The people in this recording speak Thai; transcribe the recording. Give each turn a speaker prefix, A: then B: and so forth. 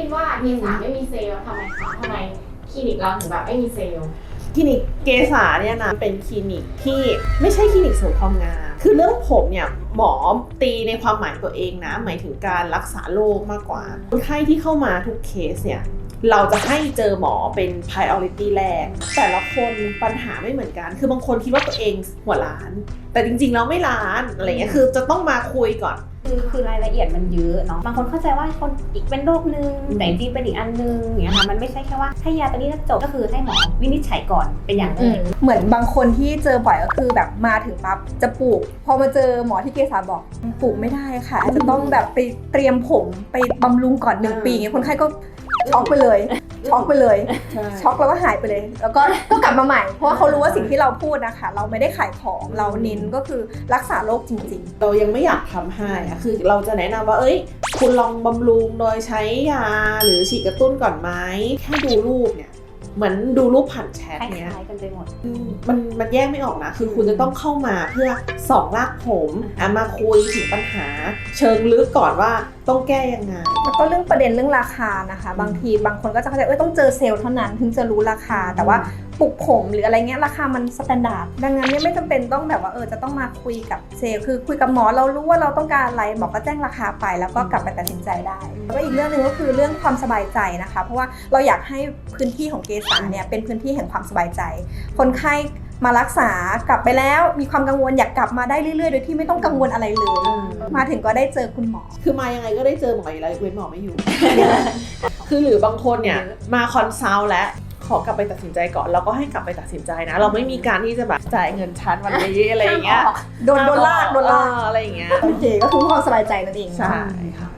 A: ดว่าเมษาไม่มีเซลล์ทำไมคะทำไมคลินิกเราถึงแบบไม่มีเซลล์
B: คลินิกเกษาเนี่ยนะเป็นคลินิกที่ไม่ใช่คลินิกเสริมความงามคือเรื่องผมเนี่ยหมอตีในความหมายตัวเองนะหมายถึงการรักษาโรคมากกว่าคนไข้ที่เข้ามาทุกเคสเนี่ยเราจะให้เจอหมอเป็น priority แรกแต่ละคนปัญหาไม่เหมือนกันคือบางคนคิดว่าตัวเองหัวล้านแต่จริงๆแล้วไม่ล้านอะไรเงี้ยคือจะต้องมาคุยก่อน
C: คือรายละเอียดมันเยอะเนาะบางคนเข้าใจว่าคนอีกเป็นโรคนึงแต่จริงเป็นอีกอันนึงอย่างเงี้ยค่ะมันไม่ใช่แค่ว่าให้ยาตัวนี้แล้วจบก็คือให้หมอวินิจฉัยก่อนเป็นอย่างแรก
D: เหมือนบางคนที่เจอบ่อยก็คือแบบมาถึงปั๊บจะปลูกพอมาเจอหมอที่เกษาบอกปลูกไม่ได้ค่ะจะต้องแบบไปเตรียมผมไปบำรุงก่อน1 ปีอย่างเงี้ยคนไข้ก็ช็อกไปเลยช็อกแล้วก็หายไปเลยแล้วก็กลับมาใหม่เพราะว่าเขารู้ว่าสิ่งที่เราพูดนะคะเราไม่ได้ขายของเราเน้นก็คือรักษาโรคจริงๆ
B: เรายังไม่อยากทำให้อะคือเราจะแนะนำว่าคุณลองบำรุงโดยใช้ยาหรือฉีดกระตุ้นก่อนไหมแค่ดูรูปเนี่ยเหมือนดูรูปผ่านแชทเนี้ย
C: คล้ายกันไปหมด
B: มันแยกไม่ออกนะคือคุณจะต้องเข้ามาเพื่อส่องรากผมมาคุยถึงปัญหาเชิงลึกก่อนว่าต้องแก้ยังไง
D: แล้วก็เรื่องประเด็นเรื่องราคานะคะบางทีบางคนก็จะเข้าใจต้องเจอเซลล์เท่านั้นถึงจะรู้ราคาแต่ว่าปลุกผมหรืออะไรเงี้ยราคามันสแตนดาร์ดดังนั้นเนี่ยไม่จำเป็นต้องแบบว่าจะต้องมาคุยกับเซลล์คือคุยกับหมอเรารู้ว่าเราต้องการอะไรหมอก็แจ้งราคาไปแล้วก็กลับไปตัดสินใจได้แล้วก็อีกเรื่องนึงก็คือเรื่องความสบายใจนะคะเพราะว่าเราอยากให้พื้นที่ของเกษาเนี่ยเป็นพื้นที่แห่งความสบายใจคนไข้มารักษากลับไปแล้วมีความกังวลอยากกลับมาได้เรื่อยๆโดยที่ไม่ต้องกังวลอะไรเลยมาถึงก็ได้เจอคุณหมอ
B: คือมายังไงก็ได้เจอหมออยู่แล้วเว้นหมอไม่อยู่ คือหรือบางคนเนี่ยมาคอนซัลท์แล้วขอกลับไปตัดสินใจก่อนเราก็ให้กลับไปตัดสินใจนะเราไม่มีการที่จะแบบจ่ายเงินชั้นวันนี้อะไรอย่างเงี้ย
D: โดนลาก
B: อะไรอย่างเงี้ย
D: โอเคก็คือความสบายใจนั่นเอง
B: ใช่ค่ะ